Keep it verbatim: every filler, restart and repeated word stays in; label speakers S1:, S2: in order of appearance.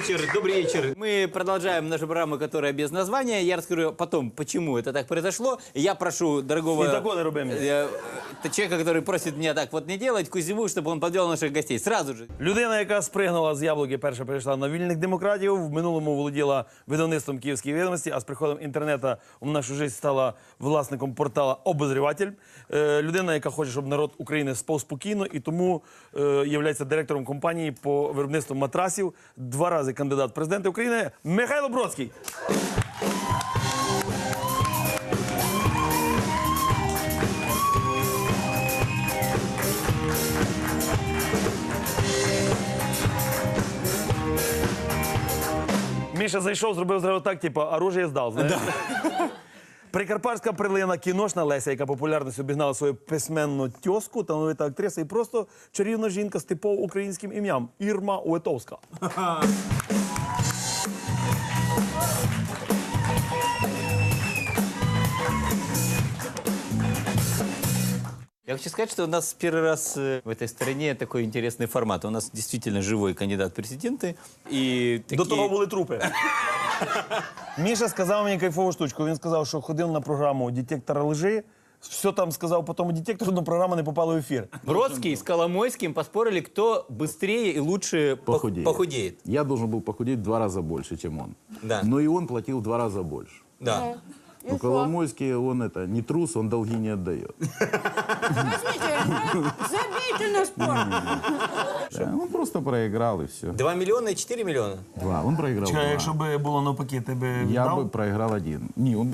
S1: вечер, добрый вечер. Мы продолжаем нашу программу, которая без названия. Я расскажу потом, почему это так произошло. Я прошу дорогого
S2: Светофоры рубим.
S1: э, э, человека, который просит меня так вот не делать, Кузьму, чтобы он подвел наших гостей. Сразу же.
S2: Людина, яка спригнула з яблуки, перша перейшла на вільних демократів, в минулому володіла видавництвом «Київської відомості», а з приходом інтернету в нашу життя стала власником портала «Обозріватель». Е, людина, яка хоче, щоб народ України спав спокійно, і тому е, є директором компанії по виробництву матрасів, два рази кандидат в президенти України Михайло Бродський. Міша зайшов, зробив зразу так, типу, оружие здав, знаєш? Прикарпатська прилина, кіношна Леся, яка популярність обігнала свою письменну тьоску, талановита актриса і просто чарівна жінка з типово українським ім'ям – Ірма Уетовська.
S1: Я хочу сказать, что у нас первый раз э, в этой стране такой интересный формат. У нас действительно живой кандидат в президенты. И
S2: До
S1: такие...
S2: того були трупи. Міша сказав мені кайфову штучку. Він сказав, що ходив на програму «Детектор лжи», все там сказав по тому детектору, но програма не попала в ефір.
S1: Бродский с Коломойским поспорили, кто быстрее и лучше пох-
S3: Похудеет.
S1: похудеет.
S3: Я должен был похудеть в два раза больше, чем он.
S1: Да.
S3: Но и он платил в два раза больше.
S1: Да.
S3: Но Коломойский, он это, не трус, он долги не отдает.
S4: Возьмите, забейте на спорт.
S3: Да, он просто проиграл и все.
S1: Два миллиона и четыре миллиона.
S3: Два. Он проиграл
S2: Чекай,
S3: два.
S2: якщо б було навпаки, ти би
S3: Я
S2: віддав?
S3: бы проиграл один. Не, он